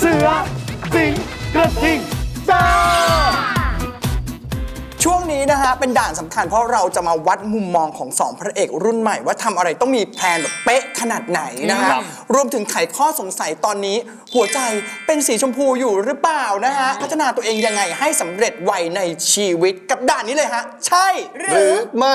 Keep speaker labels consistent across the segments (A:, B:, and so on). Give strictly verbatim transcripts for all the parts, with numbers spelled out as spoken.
A: เสือสิงกระทิงซ่า
B: ช่วงนี้นะฮะเป็นด่านสำคัญเพราะเราจะมาวัดมุมมองของสองพระเอกรุ่นใหม่ว่าทำอะไรต้องมีแพลนแบบเป๊ะขนาดไหนนะฮะรวมถึงไขข้อสงสัยตอนนี้หัวใจเป็นสีชมพูอยู่หรือเปล่านะฮะพัฒนาตัวเองยังไงให้สำเร็จไวในชีวิตกับด่านนี้เลยฮะใช่ห
C: ห
B: รื
C: รือ อไม่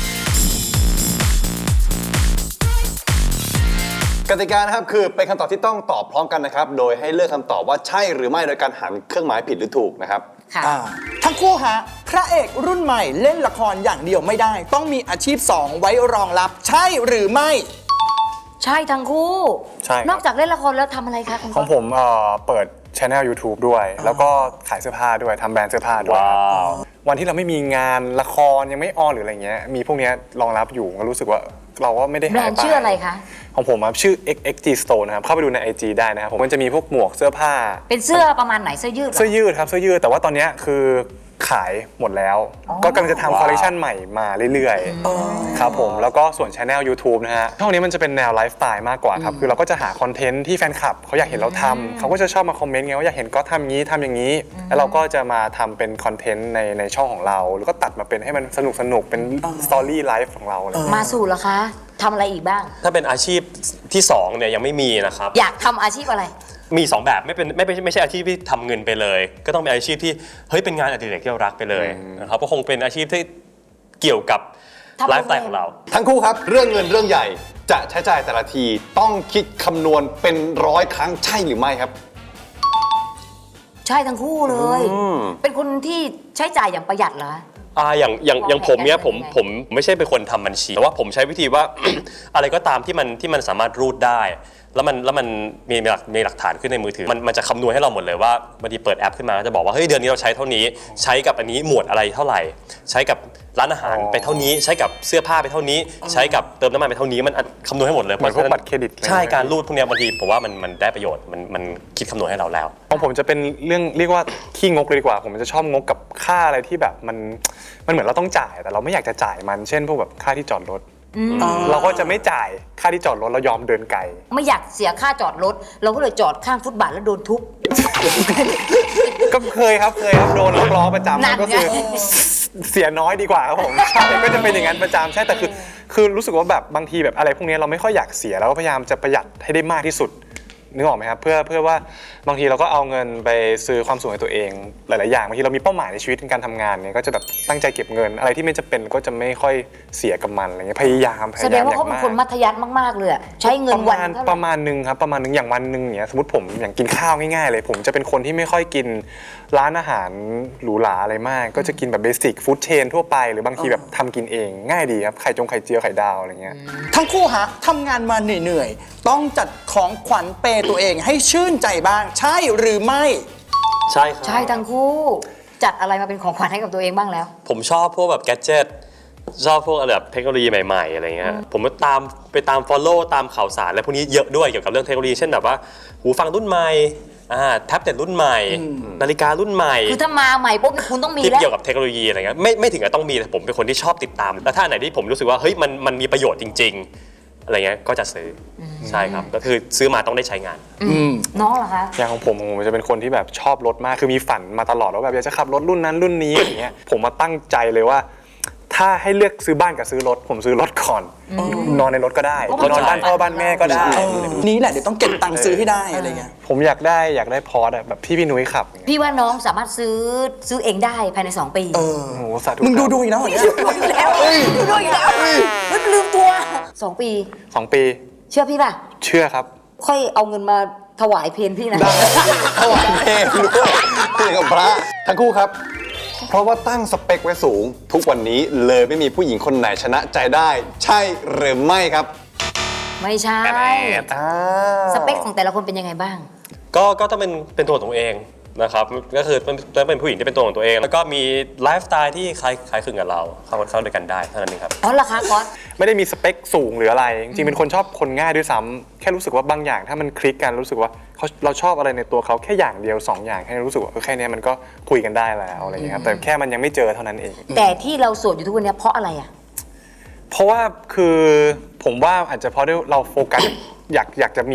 C: กติกานะครับคือเป็นคำตอบที่ต้องตอบพร้อมกันนะครับโดยให้เลือกคำตอบว่าใช่หรือไม่โดยการหันเครื่องหมายผิดหรือถูกนะครับ
B: อ่าทั้งคู่ฮะพระเอกรุ่นใหม่เล่นละครอย่างเดียวไม่ได้ต้องมีอาชีพสองไว้รองรับใช่หรือไม่
D: ใช่ทั้งคู่
E: ใช่ครับ
D: นอกจากเล่นละครแล้วทำอะไรคะคุณ
E: ของผมเอ่อเปิดช anel YouTube ด้วย แล้วก็ขายเสื้อผ้าด้วยทำแบรนด์เสื้อผ้าด้วย
A: ว้าว
E: วันที่เราไม่มีงานละครยังไม่ออนหรืออะไรเงี้ยมีพวกเนี้ยรองรับอยู่ก็รู้สึกว่าเราก็ไม่ได้
D: แบร
E: หาย
D: นด์
E: ไป
D: ชื่ออะไรคะ
E: ของผมครับชื่อ เอ็กซ์ เอ็กซ์ จี Store นะครับเข้าไปดูใน ไอ จี ได้นะครับผมมันจะมีพวกหมวกเสื้อผ้า
D: เป็นเสื้อประมาณไหนเสื้อยืดเหรอ
E: เสื้อยืดครับเสื้อยืดแต่ว่าตอนเนี้ยคือขายหมดแล้ว ก็กำลังจะทำคอลเลคชันใหม่มาเรื่อยๆครับผมแล้วก็ส่วนช anel YouTube นะฮะช่องนี้มันจะเป็นแนวไลฟ์สไตล์มากกว่าครับคือเราก็จะหาคอนเทนต์ที่แฟนคลับเขาอยากเห็นเราทำเขาก็จะชอบมาคอมเมนต์ไงว่าอยากเห็นก็ทำงี้ทำอย่างนี้ แล้วเราก็จะมาทำเป็นคอนเทนต์ในในช่องของเรา แล้วก็ตัดมาเป็นให้มันสนุกสนุกเป็นสตอรี่ไลฟ์ของเราอะไรอย่างเงี้ย
D: มาสู่เหรอคะทำอะไรอีกบ้าง
F: ถ้าเป็นอาชีพที่สองเนี่ยยังไม่มีนะครับ
D: อยากทำอาชีพอะไร
F: มีสองแบบไม่เป็นไม่ไม่ไม่ใช่อาชีพที่ทำเงินไปเลย ก็ต้องเป็นอาชีพที่เฮ้ยเป็นงานอดิเรกที่เรารักไปเลยนะครับก็คงเป็นอาชีพที่เกี่ยวกับ
D: ทำ
F: ไลฟ์สไตล์ของเรา
C: ทั้งคู่ครับเรื่องเงินเรื่องใหญ่จะใช้จ่ายแต่ละทีต้องคิดคำนวณเป็นร้อยครั้งใช่หรือไม่ครับ
D: ใช่ทั้งคู่เลย เป็นคนที่ใช้จ่ายอย่างประหยัดเหรอ
F: อ่าอย่างอย่างอย่างผมเนี่ยผม
D: วางแผน
F: ผมไม่ใช่เป็นคนทำบัญชีแต่ว่าผมใช้วิธีว่า อะไรก็ตามที่มันที่มันสามารถรูดได้ แล้วมันแล้วมันมีหลักมีหลักฐานขึ้นในมือถือมันมันจะคำนวณให้เราหมดเลยว่าบางทีเปิดแอปขึ้นมาก็จะบอกว่าเฮ้ยเดือนนี้เราใช้เท่านี้ใช้กับอันนี้หมวดอะไรเท่าไหร่ ใช้กับร้านอาหารไปเท่านี้ใช้กับเสื้อผ้าไปเท่านี้ ใช้กับเติมน้ำมันไปเท่านี้มันคำนวณให้หมดเลย
E: เหมือนพวกบัตรเครดิต
F: ใช่การรูดพวกเนี้ยบางทีผมว่ามันมันได้ประโยชน์มันมันคิดคำนวณให้เราแล้ว
E: ของผมจะเป็นเรื่องเรียกว่าขี้งกเลยดีกว่า ผมจะชอบงกกับค่าอะไรที่แบบมันมันเหมือนเราต้องจ่ายแต่เราไม่อยากจะจ่ายมันเช่นพวกแบบค่าที่จอดรถเราก็จะไม่จ่ายค่าที่จอดรถเรายอมเดินไกล
D: ไม่อยากเสียค่าจอดรถ เราก็เลยจอดข้างฟุตบาทแล้วโดนทุบ
E: ก็เคยครับเคยครับโดนล็อกล้อประจำ
D: นั่นไง
E: ก็คือเสียน้อยดีกว่าครับผมใช่ก็จะเป็นอย่างนั้นประจำใช่แต่คือคือรู้สึกว่าแบบบางทีแบบอะไรพวกนี้เราไม่ค่อยอยากเสียเราก็พยายามจะประหยัดให้ได้มากที่สุดนึกออกไหมครับเพื่อเพื่อว่าบางทีเราก็เอาเงินไปซื้อความสุขให้ตัวเองหลายๆอย่างบางทีเรามีเป้าหมายในชีวิตในการทำงานเนี่ยก็จะแบบตั้งใจเก็บเงินอะไรที่ไม่จำเป็นก็จะไม่ค่อยเสียกับมันอะไรเงี้ยพยายามพ
D: แส
E: ยายาม
D: ดงว่า
E: อย่า
D: เขา
E: ง
D: เป็น
E: มาก
D: คนมัธยัสถ์มากๆเลยอะใช้เงิน
E: ประ
D: วัน
E: มาณ
D: เท่าไห
E: ป
D: ร่
E: ระมาณหนึ่งครับประมาณหนึ่งอย่างวันหนึ่งเนี่ยสมมติผมอย่างกินข้าวง่ายๆเลย ผมจะเป็นคนที่ไม่ค่อยกินร้านอาหารหรูหราอะไรมาก ก็จะกินแบบเบสิกฟู้ดเชนทั่วไปหรือบางทีแบบทำกินเองง่ายดีครับไข่จงไข่เจียวไข่ดาวอะไรเงี้ย
B: ทั้งคู่ฮะทำงานมาเหนื่อยๆต้องจัดของขวัญเปย์ตัวเองให้ชื่นใจบ้างใช่หรือไม่
F: ใช่ครับ
D: ใช่ทั้งคู่ จัดอะไรมาเป็นของขวัญให้กับตัวเองบ้างแล้ว
F: ผมชอบพวกแบบแกดเจิตชอบพวกแบบเทคโนโลยีใหม่ๆอะไรเงี้ยผมก็ตามไปตาม follow ตามข่าวสารอะไรพวกนี้เยอะด้วยเกี่ยวกับเรื่องเทคโนโลยีเช่นแบบว่าหูฟังรุ่นใหม่อ่าแท็บเล็ตรุ่นใหม่ นาฬิการุ่นใหม่
D: คือถ้ามาใหม่ปุ๊บคุณต้องมี
F: ที่
D: แล้ว
F: เกี่ยวกับเทคโนโลยีอะไรเงี้ยไม่ไม่ถึงกับต้องมีแต่ผมเป็นคนที่ชอบติดตาม แล้วถ้าอันไหนที่ผมรู้สึกว่าเฮ้ยมันมันมีประโยชน์จริง ๆ อะไรเงี้ยก็จะซื้ออใช่ครับก็คือซื้อมาต้องได้ใช้งาน
D: น้องเหรอคะ
E: อย่างของผมผมจะเป็นคนที่แบบชอบรถมากคือมีฝันมาตลอดว่าแบบอยากจะขับรถรุ่นนั้นรุ่นนี้อย่างเงี้ยผมมาตั้งใจเลยว่า ถ้าให้เลือกซื้อบ้านกับซื้อรถผมซื้อรถก่อนนอนในรถก็ได้
D: เพราะมัน
E: นอนบ้านพ่อบ้านแม่ก็ได้
B: นี้แหละเดี๋ยวต้องเก็บตังค์ซื้อให้ได้อะไรเงี้ย
E: ผมอยากได้อยากได้พอร์ตแบบที่พี่นุ้ยขับอย่างเงี้ย
D: พี่ว่าน้องสามารถซื้อซื้อเองได้ภายในสองปี
B: เออ
E: โอ้โหสาธุ
B: มึงดู
E: ครับ
B: ดูอีกนะเหรอเนี่ย
D: ดูอีกแล้วดูดูอีกแล้วไม่ลืมตัวสองปี
E: สองปี
D: เชื่อพี่ป่ะ
E: เชื่อครับ
D: ค่อยเอาเงินมาถวายเพลพี่นะ
C: ถวายเพลงด้วยเพลงกับพระทั้งคู่ครับ เพราะว่าตั้งสเปคไว้สูง ทุกวันนี้เลยไม่มีผู้หญิงคนไหนชนะใจได้ ใช่หรือไม่ครับ
D: ไม่ใช่
E: อ่า
D: สเปคของแต่ละคนเป็นยังไงบ้าง
F: ก็ก็ต้องเป็นเป็นตัวของตัวเองนะครับก็คือต้องเป็นผู้หญิงที่เป็นตัวของตัวเอง แล้วก็มีไลฟ์สไตล์ที่คล้ายคล้ายคลึงกับเราเข้าเข้าด้วยกันได้เท่านั้นเองครับ
D: อ๋อเหรอคะก๊อต
E: ไม่ได้มีสเปคสูงหรืออะไร จริงๆเป็นคนชอบคนง่ายด้วยซ้ำแค่รู้สึกว่าบางอย่างถ้ามันคลิกกันรู้สึกว่าเขาเราชอบอะไรในตัวเขาแค่อย่างเดียวสองอย่างแค่รู้สึกว่าเออแค่นี้มันก็คุยกันได้แล้วอะไรอย่างเงี้ยครับแต่แค่มันยังไม่เจอเท่านั้นเอง
D: แต่ที่เราโสดอยู่ทุกวันนี้เพราะอะไรอ่ะ
E: เพราะว่าคือผมว่าอาจจะเพราะด้วยเราโฟกัส อยากอยากจะมี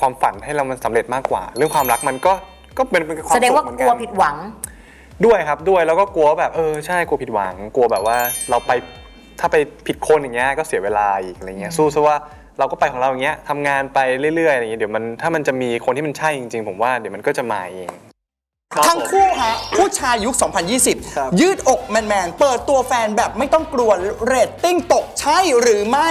E: ความฝันให้เรามันสำเร็จมากกว่า เรื่องความรักมันก็ก็เป็นเป็นความ
D: แสดง
E: สุข
D: ว่า
E: เหมือน
D: ก
E: กั
D: ลัวน ผิดหวัง
E: ด้วยครับด้วยแล้วก็กลัวแบบเออใช่กลัวผิดหวัง กลัวแบบว่าเราไปถ้าไปผิดคนอย่างเงี้ยก็เสียเวลาอีกอะไรเงี้ยสู้ซะว่าเราก็ไปของเราอย่างเงี้ยทำงานไปเรื่อยๆอย่างเงี้ยเดี๋ยวมันถ้ามันจะมีคนที่มันใช่จริงๆผมว่าเดี๋ยวมันก็จะมาเอง
B: ทั้งคู่ฮะผู้ชายยุค สองพันยี่สิบ ยืดอกแมนๆ เปิดตัวแฟนแบบไม่ต้องกลัวเรตติ้งตกใช่หรือไม่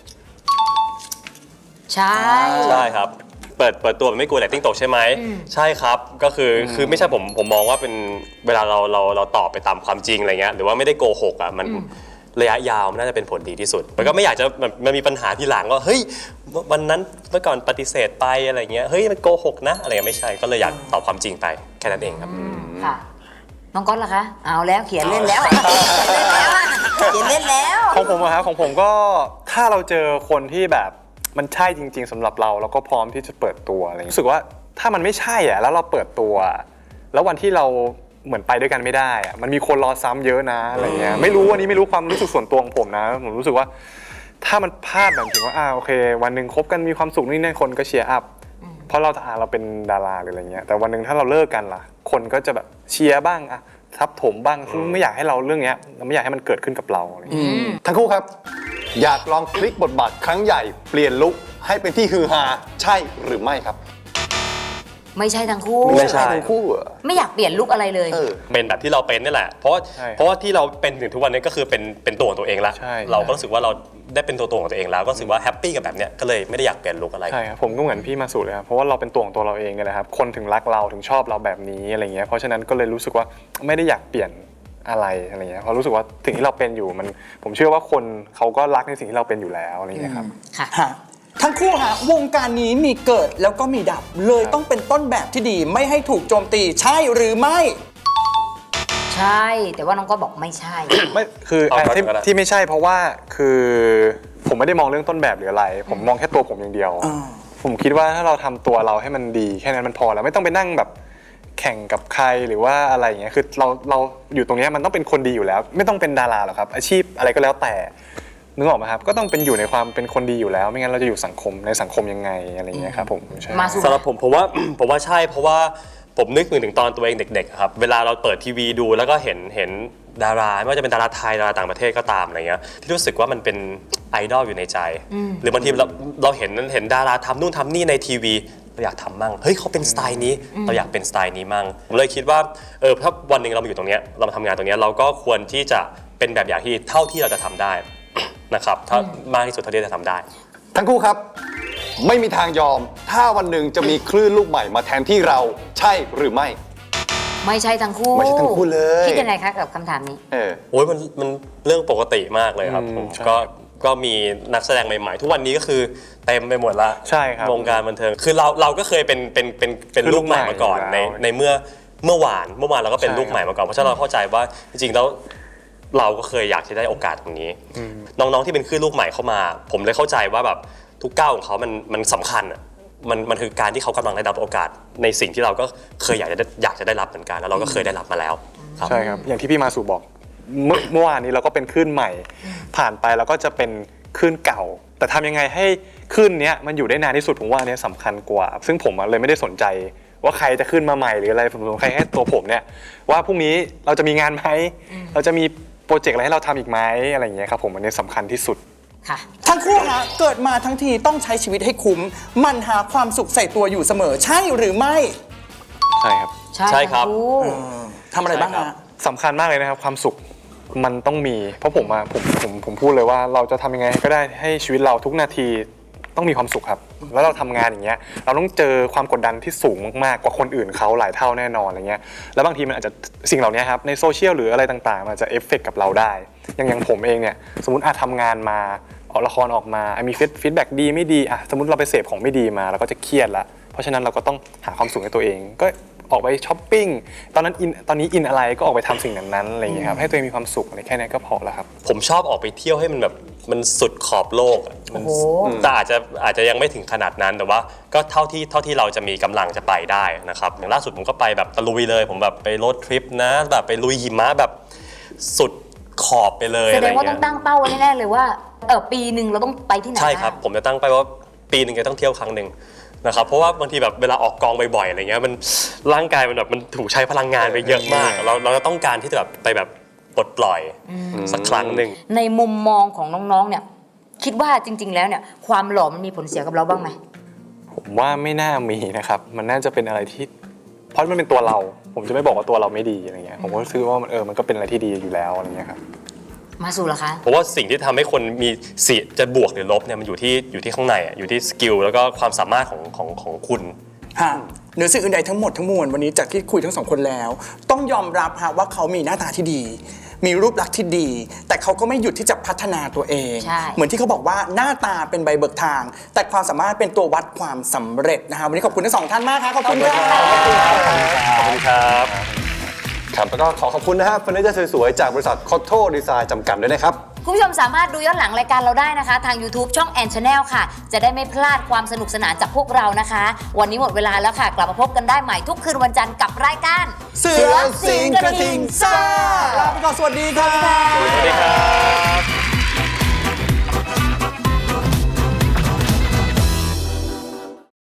D: ใช่
F: ใช่ครับ เปิดเปิดตัวไม่กลัวเรตติ้งตกใช่ไหมใช่ครับก็คือคือไม่ใช่ผมผมมองว่าเป็นเวลาเราเราเราตอบไปตามความจริงอะไรเงี้ยหรือว่าไม่ได้โกหกอ่ะมันระยะยาวมันน่าจะเป็นผลดีที่สุดมันก็ไม่อยากจะมันมันมีปัญหาทีหลังว่าเฮ้ยวันนั้นเมื่อก่อนปฏิเสธไปอะไรเงี้ยเฮ้ยมันโกหกนะอะไรเงี้ยไม่ใช่ก็เลยอยากตอบความจริงไปแค่นั้นเองครับ
D: ค่ะน้องก๊อตล่ะคะเอาแล้วเขียนเล่นแล้วเขียนเล่นแล้วอะเขียนเล่นแล้ว
E: ของผมอะครับของผมก็ถ้าเราเจอคนที่แบบมันใช่จริง ๆสำหรับเราแล้วก็พร้อมที่จะเปิดตัวอะไรอย่างเงี้ยรู้สึกว่าถ้ามันไม่ใช่อ่ะแล้วเราเปิดตัว แล้ววันที่เราเหมือนไปด้วยกันไม่ได้อ่ะมันมีคนรอซ้ำเยอะนะอะไรเงี้ยไม่รู้วันนี้ไม่รู้ความรู้สึกส่วนตัวของผมนะผมรู้สึกว่าถ้ามันพลาดแบบถึงว่าอ่าโอเค วันหนึ่งคบกันมีความสุขนี่นั่นคนก็เชียร์อัพเพราะเราอ่าเราเป็นดาราหรืออะไรเงี้ยแต่วันหนึ่งถ้าเราเลิกกันล่ะคนก็จะแบบเชียร์บ้างอะทับถมบ้างซึ่งไม่อยากให้เราเรื่องเนี้ยเราไม่อยากให้มันเกิดขึ้นกับเราอะไรเงี้ย
C: ทั้งคู่ครับ อยากลองพลิกบทบาทครั้งใหญ่เปลี่ยนลุคให้เป็นที่ฮือฮาใช่หรือไม่ครับ
D: ไม่ใช่ทั้งคู่
C: ไม่ใช่ทั้งคู่เหรอ
D: ไม่อยากเปลี่ยนลุกอะไรเลย
C: เออ
F: เป็นแบบที่เราเป็นนี่แหละ เพราะว่า
E: ใช่
F: เพราะว่าที่เราเป็นถึงทุกวันนี้ก็คือเป็นเป็นตัวของตัวเองแล้ว
E: ใช่
F: เราก็รู้สึกว่าเราได้เป็นตัวตนของตัวเองแล้วก็รู้สึกว่าแฮปปี้กับแบบเนี้ยก็เลยไม่ได้อยากเปลี่ยนลุคอะไร
E: ใช่ครับผมก็เหมือนพี่มาสุเลยครับเพราะว่าเราเป็นตัวของตัวเราเองเนี่ยแหละครับคนถึงรักเราถึงชอบเราแบบนี้อะไรเงี้ยเพราะฉะนั้นก็เลยรู้สึกว่าไม่ได้อยากเปลี่ยนอะไรอะไรเงี้ยเพราะรู้สึกว่าสิ่งที่เราเป็นอยู่มันผมเชื่อว่าคนเขาก็รักในสิ่งที่เราเป็นอยู่แล้วอะไรเงี้ยครับ
D: ค่ะ
B: ฮะทั้งคู่ฮะวงการนี้มีเกิดแล้วก็มีดับ เลยต้องเป็นต้นแบบที่ดีไม่ให้ถูกโจมตีใช่หรือไม่
D: ใช่ แต่ว่าน้องก็บอกไม่ใช่
E: ไม่คือ
F: เอา
E: อ่ะที่
F: ก็ได้
E: ที่ไม่ใช่เพราะว่าคือผมไม่ได้มองเรื่องต้นแบบหรืออะไร ผมมองแค่ตัวผมอย่างเดียว
B: อ่า
E: ผมคิดว่าถ้าเราทำตัวเราให้มันดีแค่นั้นมันพอแล้วไม่ต้องไปนั่งแบบแข่งกับใครหรือว่าอะไรอย่างเงี้ยคือเราเราอยู่ตรงเนี้ยมันต้องเป็นคนดีอยู่แล้ว ไม่ต้องเป็นดาราหรอกครับอาชีพอะไรก็แล้วแต่นึกออกไหมครับก็ต้องเป็นอยู่ในความเป็นคนดีอยู่แล้ว ไม่งั้นเราจะอยู่สังคมในสังคมยังไงอะไรอย่างเงี้ยครับผมใช่
D: มาสู่
F: สำหรับผมผมว่า ผมว่าใช่เพราะว่าผมนึกถึงตอนตัวเองเด็กๆครับเวลาเราเปิดทีวีดูแล้วก็เห็นเห็นดาราไม่ว่าจะเป็นดาราไทยดาราต่างประเทศก็ตามอะไรเงี้ยที่รู้สึกว่ามันเป็นไอดอลอยู่ในใจ หรือบางทีเราเราเห็นเห็นดาราทำนู่นทำนี่ในทีวีเราอยากทำมั่งเฮ้ยเขาเป็นสไตล์นี้เราอยากเป็นสไตล์นี้มั่งผมเลยคิดว่าเออถ้าวันหนึ่งเรามาอยู่ตรงเนี้ยเรามาทำงานตรงเนี้ยเราก็ควรที่จะเป็นแบบอย่างที่เท่าที่เราจะทำได้นะครับถ้ามากที่สุดเท่าที่จะทำได้
C: ทั้งคู่ครับ ไม่มีทางยอม ถ้าวันหนึ่งจะมีคลื่นลูกใหม่มาแทนที่เราใช่หรือไม่
D: ไม่ใช่ทั้งคู่
C: ไม่ใช่ทั้งคู่เลย
D: คิดยังไงคะกับคำถามนี้
C: เออ
F: โอ้ยมันมันเรื่องปกติมากเลยครับ
E: อืม
F: ผม
E: ใช่
F: ก็ก็มีนักแสดงใหม่ๆ ทุกวันนี้ก็คือเต็มไปหมดละ
E: ใช่ครับ
F: วงการบันเทิงคือเราเราก็เคยเป็นเป็นเป็นเป็น
E: คือ
F: ลูกใหม่มาก่อน
E: ลูกใหม่
F: ใน
E: อยู่แล้ว
F: ในเมื่อเมื่อวานเมื่อวานเราก็เป็น
E: ใช่
F: ลูกใหม่มาก่อนเพราะฉะนั้นเราเข้าใจว่าจริงๆแล้วเราก็เคยอยากจะได้โอกาสตรงนี้ น้องๆที่เป็นคลื่นลูกใหม่เข้ามา ผมเลยเข้าใจว่าแบบทุกก้าวของเขามันมันสำคัญอ่ะมันมันคือการที่เขากำลังได้รับโอกาสในสิ่งที่เราก็เคยอยากจะได้อยากจะได้รับเหมือนกันแล้วเราก็เคยได้รับมาแล้วครับ
E: ใช่ครับอย่างที่พี่มาสุบอกเมื่อเมื่อวานนี้เราก็เป็นคลื่นใหม่ ผ่านไปเราก็จะเป็นคลื่นเก่า แต่ทำยังไงให้คลื่นเนี้ยมันอยู่ได้นานที่สุดผมว่าอันเนี้ยสำคัญกว่า ซึ่งผมอะเลยไม่ได้สนใจว่าใครจะขึ้นมาใหม่หรืออะไรผมสนใจแค่ตัวผมเนี่ยว่าพรุ่งนี้เราจะมีงานไหมเราจะมีโปรเจกต์อะไรให้เราทำอีกไหมอะไรอย่างเงี้ยครับผมอันนี้สำคัญที่สุด
D: ค่ะ
B: ทั้งคู่ฮะเกิดมาทั้งทีต้องใช้ชีวิตให้คุ้ม มันหาความสุขใส่ตัวอยู่เสมอใช่หรือไม่
E: ใช่ครับ
D: ใช่
F: ใช่ครับ
D: ทั้งคู่
B: ทำอะไรบ้าง
F: ใช่ครั
B: ฮะ
F: บ
E: สำคัญมากเลยนะครับความสุขมันต้องมี เพราะผมอะผมผมผมพูดเลยว่าเราจะทำยังไงก็ได้ให้ชีวิตเราทุกนาทีต้องมีความสุขครับ แล้วเราทำงานอย่างเงี้ยเราต้องเจอความกดดันที่สูงมากๆกว่าคนอื่นเขาหลายเท่าแน่นอนอะไรเงี้ยแล้วบางทีมันอาจจะสิ่งเหล่านี้ครับในโซเชียลหรืออะไรต่างๆมันอาจจะเอฟเฟกต์กับเราได้อย่างอย่างผมเองเนี่ยสมมติอาจทำงานมาออกละครออกมาอ่ะมีฟีดแบ็กดีไม่ดีอะสมมติเราไปเสพของไม่ดีมาเราก็จะเครียดละเพราะฉะนั้นเราก็ต้องหาความสุขให้ตัวเองก็ออกไปช้อปปิ้งตอนนั้นอินตอนนี้อินอะไรก็ออกไปทำสิ่งนั้นๆอะไรอย่างเงี้ยครับให้ตัวเองมีความสุขอะไรแค่นี้ก็พอแล้วครับ
F: ผมชอบออกไปเที่ยวให้มันแบบมันสุดขอบโลกอะมัน
D: โอ้โห
F: แต่อาจจะอาจจะยังไม่ถึงขนาดนั้นแต่ว่าก็เท่าที่เท่าที่เราจะมีกำลังจะไปได้นะครับอย่างล่าสุดผมก็ไปแบบตะลุยเลย ผมแบบไปโรดทริปนะแบบไปลุยหิมะแบบสุดขอบไปเลย
D: แส
F: อะไร
D: ดงว่าต้
F: เงี้
D: อง
F: ย
D: ตั้งเป้าไว้แน่ๆเลยว่าเออปีหนึ่งเราต้องไปที่ไหน
F: ใช่ครับ
D: าง
F: ผมจะตั้งไปว่าปีหนึ่งจะต้องเที่ยวครั้งหนึ่งนะครับเพราะว่าบางทีแบบเวลาออกกองบ่อยๆอะไรเงี้ยมันร่างกายมันแบบมันถูกใช้พลังงานไปเยอะมาก เราเราจะต้องการที่จะแบบไปแบบปลดปล่อยสักครั้งหนึ่ง
D: ในมุมมองของน้องๆเนี่ยคิดว่าจริง ๆ แล้วเนี่ยความหล่อมันมีผลเสียกับเราบ้างไหม
E: ผมว่าไม่น่ามีนะครับมันน่าจะเป็นอะไรที่เพราะมันเป็นตัวเรา ผมจะไม่บอกว่าตัวเราไม่ดีอะไรเงี้ยผมก็คิดว่ามันเออมันก็เป็นอะไรที่ดีอยู่แล้วอะไรเงี้ยครับ
D: มาสู่เหรอคะ
F: เพราะว่าสิ่งที่ทำให้คนมีสิจะบวกหรือลบเนี่ยมันอยู่ที่อยู่ที่ข้างในอ่ะอยู่ที่สกิลแล้วก็ความสามารถของของของคุณ
B: ฮะเหนือสิ่งอื่นใดทั้งหมดทั้งมวลวันนี้จากที่คุยทั้งสองคนแล้ว ต้องยอมรับฮะว่าเขามีหน้าตาที่ดี มีรูปลักษณ์ที่ดี แต่เขาก็ไม่หยุดที่จะพัฒนาตัวเอง
D: ใช่
B: เหมือนที่เขาบอกว่าหน้าตาเป็นใบเบิกทาง แต่ความสามารถเป็นตัววัดความสำเร็จนะฮะวันนี้ขอบคุณทั้งสองท่านมากครับขอบคุณครับ
F: ขอบคุณครับ
C: ครับแล้วก็ขอขอบคุณนะฮะเฟอร์นิเจอร์สวยๆ จากบริษัทคอตโต้ดีไซน์จำกัดด้วยนะครับ
D: คุณผู้ชมสามารถดูย้อนหลังรายการเราได้นะคะ ทาง YouTube ช่อง แอน Channel ค่ะ จะได้ไม่พลาดความสนุกสนานจากพวกเรานะคะ วันนี้หมดเวลาแล้วค่ะ กลับมาพบกันได้ใหม่ทุกคืนวันจันทร์กับรายการ
B: เสือสิงห์กระทิงซ่าลาไปก่อนสวัสดีครับ